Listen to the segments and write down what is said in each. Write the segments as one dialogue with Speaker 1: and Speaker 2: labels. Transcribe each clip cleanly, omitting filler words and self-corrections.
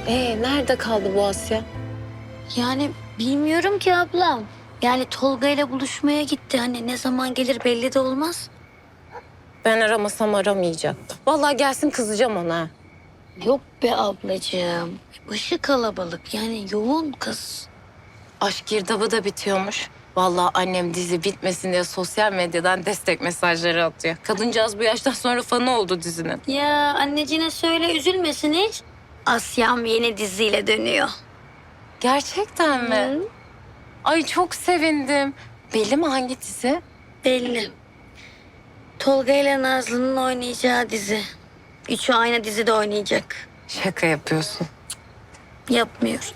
Speaker 1: Nerede kaldı bu Asya?
Speaker 2: Yani bilmiyorum ki ablam. Yani Tolga ile buluşmaya gitti. Hani ne zaman gelir belli de olmaz.
Speaker 1: Ben aramasam aramayacaktı. Vallahi gelsin kızacağım ona.
Speaker 2: Yok be ablacığım. Başı kalabalık yani yoğun kız.
Speaker 1: Aşk girdabı da bitiyormuş. Vallahi annem dizi bitmesin diye sosyal medyadan destek mesajları atıyor. Kadıncağız bu yaştan sonra fanı oldu dizinin.
Speaker 2: Ya anneciğine söyle üzülmesin hiç. Asya'm yeni diziyle dönüyor.
Speaker 1: Gerçekten mi?
Speaker 2: Hı,
Speaker 1: Ay çok sevindim. Belli mi hangi dizi?
Speaker 2: belli. Tolga ile Nazlı'nın oynayacağı dizi. Üçü aynı dizide oynayacak.
Speaker 1: Şaka yapıyorsun.
Speaker 2: Yapmıyor.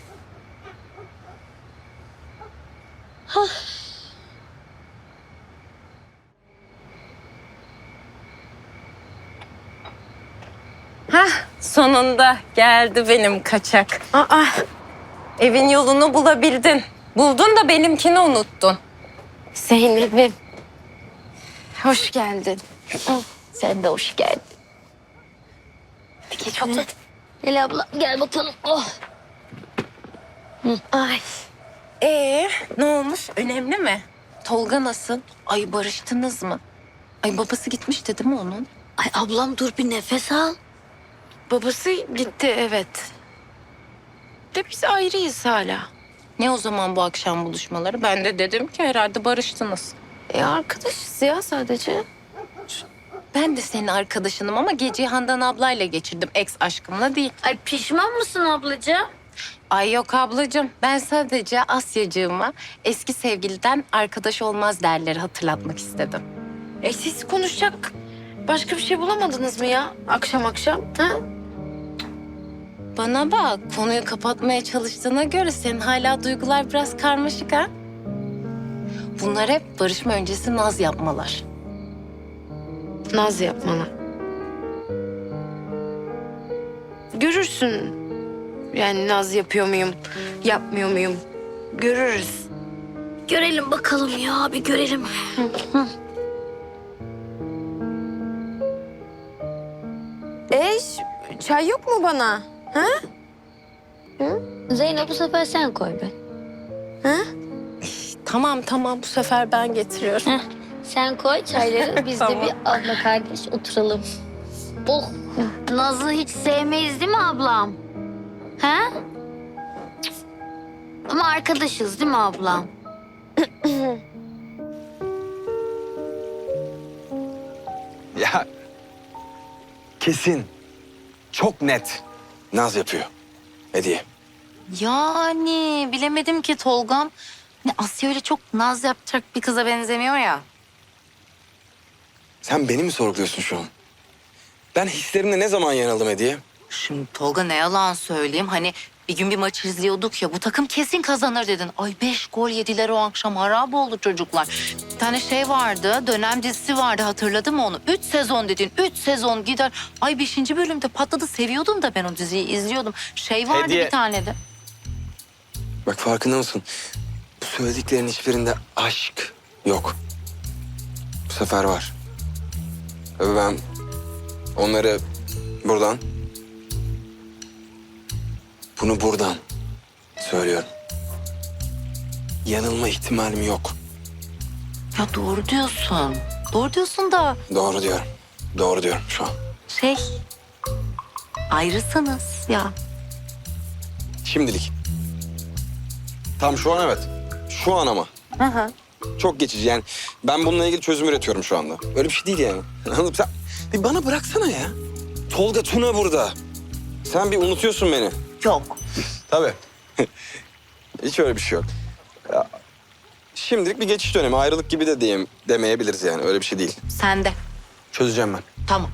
Speaker 1: Sonunda geldi benim kaçak. Evin yolunu bulabildin. Buldun da benimkini unuttun.
Speaker 2: Zeynep'im.
Speaker 1: Hoş geldin.
Speaker 2: Sen de hoş geldin.
Speaker 1: Peki çok da...
Speaker 2: Gel abla gel bakalım. Oh.
Speaker 1: Ay. Ne olmuş? Önemli mi? Tolga nasıl? Ay barıştınız mı? Ay babası gitmişti değil mi onun?
Speaker 2: Ay ablam dur bir nefes al.
Speaker 1: Babası gitti evet. De biz ayrıyız hala. Ne o zaman bu akşam buluşmaları? Ben de dedim ki herhalde barıştınız. Arkadaşız ya sadece. Ben de senin arkadaşınım ama geceyi Handan ablayla geçirdim. Ex aşkımla değil.
Speaker 2: Ay pişman mısın ablacığım?
Speaker 1: Ay yok ablacığım. Ben sadece Asyacığıma eski sevgiliden arkadaş olmaz derleri hatırlatmak istedim.
Speaker 3: Siz konuşacak başka bir şey bulamadınız mı ya akşam akşam? Ha?
Speaker 1: Bana bak, konuyu kapatmaya çalıştığına göre senin hala duygular biraz karmaşık ha? Bunlar hep barışma öncesi naz yapmalar.
Speaker 3: Naz yapmana. Görürsün. Yani naz yapıyor muyum, yapmıyor muyum? Görürüz.
Speaker 2: Görelim bakalım ya bir görelim.
Speaker 3: Çay yok mu bana? Ha?
Speaker 2: Zeynep bu sefer sen koy be.
Speaker 3: Ha?
Speaker 1: Tamam bu sefer ben getiriyorum.
Speaker 2: Heh, sen koy çayları biz de
Speaker 1: Tamam.
Speaker 2: bir abla kardeş oturalım. Oh Nazlı hiç sevmeyiz değil mi ablam? Ha? Cık. Ama arkadaşız değil mi ablam?
Speaker 4: Ya kesin, çok net naz yapıyor Hediye.
Speaker 5: Yani bilemedim ki Tolgam. Ne Asya öyle çok naz yapacak bir kıza benzemiyor ya.
Speaker 4: Sen beni mi sorguluyorsun şu an? Ben hislerimle ne zaman yanıldım Hediye?
Speaker 5: Şimdi Tolga ne yalan söyleyeyim. Hani bir gün bir maç izliyorduk ya bu takım kesin kazanır dedin. Ay 5 gol yediler o akşam harap oldu çocuklar. Bir tane şey vardı dönem dizisi vardı hatırladın mı onu? 3 sezon dedin 3 sezon gider. Ay 5. bölümde patladı seviyordum da ben o diziyi izliyordum. Şey vardı
Speaker 4: Hediye.
Speaker 5: bir tane de.
Speaker 4: Bak farkında mısın? Bu söylediklerin hiçbirinde aşk yok. Bu sefer var. Ve ben onları buradan, bunu buradan söylüyorum. Yanılma ihtimalim yok.
Speaker 5: Ya doğru diyorsun. Doğru diyorsun da
Speaker 4: Doğru diyorum. Doğru diyorum şu an.
Speaker 5: şey ayrısınız ya.
Speaker 4: Şimdilik. Tam şu an evet. Şu an ama. Çok geçici yani. Ben bununla ilgili çözüm üretiyorum şu anda. Öyle bir şey değil yani. Anladın mı? Sen bir bana bıraksana ya. Tolga Tuna burada. Sen bir unutuyorsun beni.
Speaker 5: Yok.
Speaker 4: Tabii. Hiç öyle bir şey yok. Ya, şimdilik bir geçiş dönemi. Ayrılık gibi de demeyebiliriz yani. Öyle bir şey değil.
Speaker 5: Sen de.
Speaker 4: Çözeceğim ben.
Speaker 5: Tamam.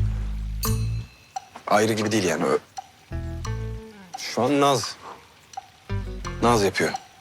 Speaker 4: Ayrı gibi değil yani. Şu an Naz. Naz yapıyor.